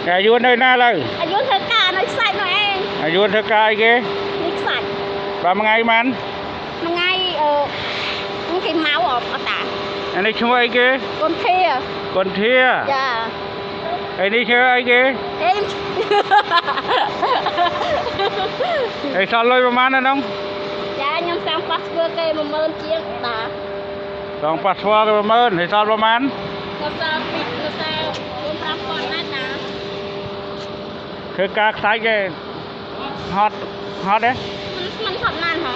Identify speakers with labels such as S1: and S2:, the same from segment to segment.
S1: อายุnơi naเลย
S2: อายุเธอกาหน่อยใส่หน่อยเอง
S1: อายุเธอกายเก
S2: นิกสัน
S1: ประมาณไงมัน
S2: มันไงมันกินเมาออกตา
S1: อันนี้ช่วยเก
S2: คนเทีย
S1: คนเที่ย
S2: จ้า
S1: ไอ้นี่ช่วยเก
S2: เอ็ม
S1: ไอ้สอนลอยประมาณนั้นน้อง
S2: จ้ายังสั่งปัสเบอร์เกย์มาเมินเชียงตา
S1: สองปัสสาวะประมาณไอ้สอนประมาณ
S2: ก็จะปิดก็จะรวมรับก่อนนะจ๊ะ
S1: คือกากสายเกฮอตเด้
S2: มันทำงานของ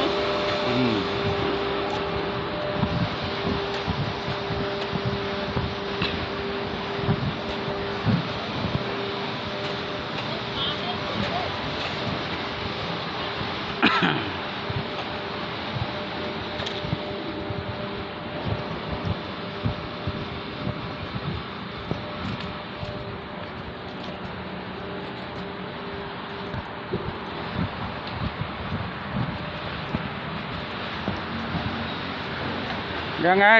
S1: ยังไง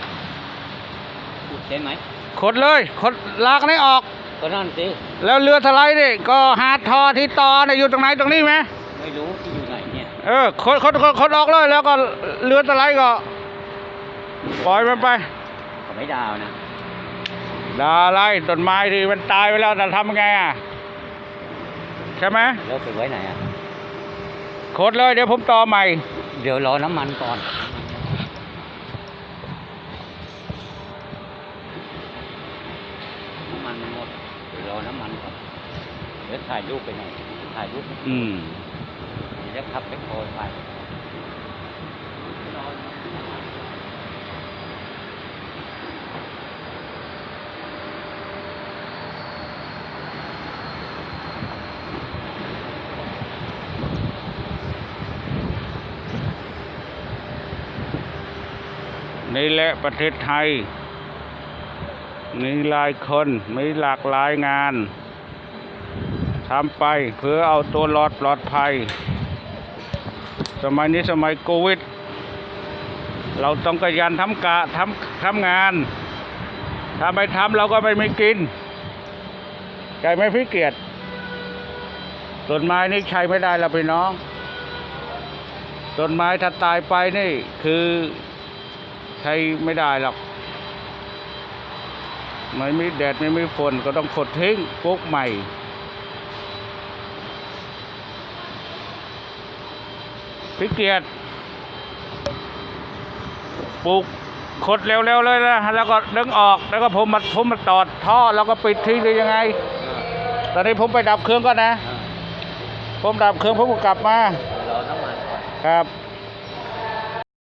S3: ใช่ไหม
S1: ขดเลยขดลากนี่ออก
S3: ก็นั่นสิ
S1: แล้วเรือทลายนี่ก็หาทอที่ต่อเนี่ยอยู่ตรงไหนตรงนี้ไหม
S3: ไม่รู้ที่อยู่ไหนเนี่ย
S1: ขดออกเลยแล้วก็เรือทลายก็ปล่อยมันไป
S3: เขาไม่ดาวนะ
S1: ดาไรต้นไม้ที่มันตายไปแล้วจะทำไงอ่ะใช่ไหม
S3: แล้วไปไว้ไหนอ่ะ
S1: ขดเลยเดี๋ยวผมต่อใหม่
S3: เดี๋ยวรอน้ำมันก่อนน้ำมันหมดเดี๋ยวรอน้ำมันก่อนเดี๋ยวถ่ายรูปไปหน่อยถ่ายรูปเดี๋ยวขับไปโคยไป
S1: นี่แหละประเทศไทยมีหลายคนมีหลากหลายงานทำไปเพื่อเอาตัวรอดปลอดภัยสมัยนี้สมัยโควิดเราต้องขยันทำงานถ้าไม่ทำเราก็ไม่มีกินใจไหม่พี่เกียรติต้นไม้นี่ใช้ไม่ได้แล้วพี่น้องต้นไม้ถ้าตายไปนี่คือใช้ไม่ได้หรอกไม่มีแดดไม่มีฝนก็ต้องขดทิ้งปลูกใหม่พี่เกียรติปลูกขดเร็วๆเลยนะแล้วก็ดึงออกแล้วก็ผมมาตอดท่อแล้วก็ปิดทิ้งได้ยังไงตอนนี้ผมไปดับเครื่องก่อนนะผมดับเครื่องผมก็กลับมาร
S3: อน้ำมันก่อน
S1: ครับ